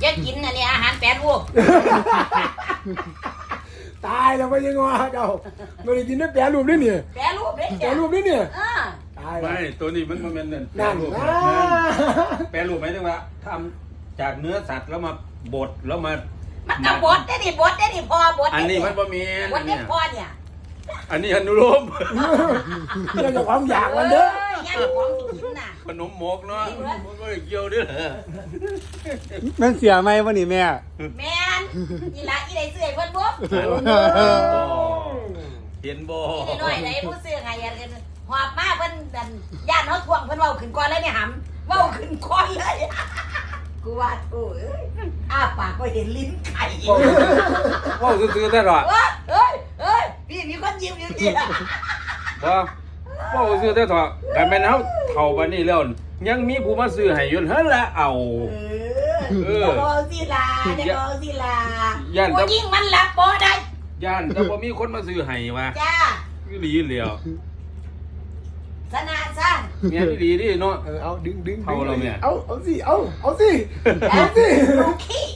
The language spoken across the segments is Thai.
จะกินอันนี้อาหารแปรรูปตายแล้วไม่ยังงอเจ้าไม่ได้กินได้แปรรูปด้วยเนี่ยแปรรูปเด้แปรรูปด้วยเนี่ย ตายไม่ตัวนี้มันเป็นนั่นนั่นแปรรูปหมายถึงว่าทำจากเนื้อสัตว์แล้วมาบดแล้วมามันก็บดได้ดิบดได้ดิพอบดอันนี้มันบะหมี่บดได้พอเนี่ยอันนี้อนุโลมเรื่องของความอยากมันเด้อย่างของกินน่ะขนมหมกเนาะมันก็เกี่ยวด้วยเหรอมันเสียไหมวะนี่แม่แม่นอีหละอีได้ซื้อให้เพิ่นบ่เห็นบ่อีน้อยไหนผู้ซื้อไงอันหอบมาเพิ่นดันย่านเฮาทวงเพิ่นเว้าขึ้นก่อนเลยเนี่ยหำเว้าขึ้นก่อนเลยกูว่าโอ้ยอ้าปากก็เห็นลิ้นไข่ว่าซื้อๆได้หรอเอ้ยพี่มีคนยิ้มอยู่นี่ว่าซื้อได้หรอแต่แม่นเฮาเฒ่าบัดนี้แล้วยังมีผู้มาซื้อให้อยู่หั่นละเอาเดี๋ยวเอาสิลาผู้หญิงมันรับบ่ได้ย่านแต่บ่มีคนมาซื้อให้ว่ะจ้าอีหลีเหลียวสนะซะแม่นอีหลีดิเนาะเอาดึงเอาเราเนี่ยเอาสิเอาสิลูกขี้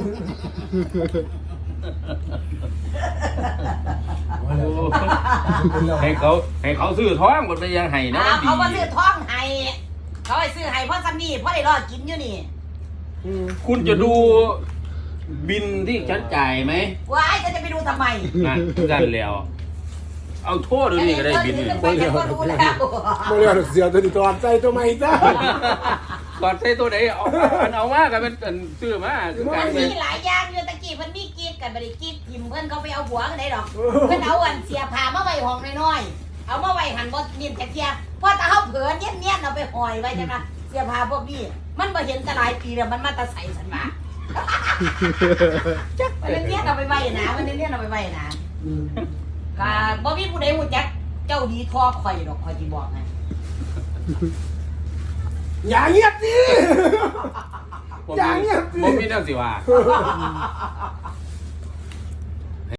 ให้เขาซื้อท้องมันไปยังให้นะมันดีเขาบ่ซื้อท้องให้เขาให้ซื้อให้เพราะซ้ำนี่เพราะได้รอดกินอยู่นี่คุณจะดูบินที่ฉันจ่ายไหมว่าไอ้จะไปดูทำไมนั่นแล้ว เอาโทษดูนี่ก็ได้บินไปก็รู้แล้วไม่เรียกเสียตัวนี้ตอนใจตัวใหม่จ้าก่อนใส่ตัวไหนเอามากันเป็นซื้อมาคือการมันเป็มีนหลายอย่างอยู่ตะกี้เพิ่นมีกีดกันบ่ได้กีดทิมเพิ่นเขาไปเอาหัวกันได้ดอกเพิ่นเอาอันเสียผ้ามาไว้ห้องน้อยๆเอามาไว้หันบ่นิ่มจักเที่ยพอตาเฮาเผลอเนียนๆเอาไปห้อยไว้จังนะเสียผ้าพวกนี้มันบ่เห็นแต่หลายปีแล้วมันมาแตะใส่สันว่ามันเนียนเอาไปไว้นะมันเนียนเอาไปไว้นะก็บ่มีผู้ใดฮู้จักเจ้าดีทอข่อยดอกข่อยสิบอกให้อย่าเงียบสิบ่มีแนวสิว่า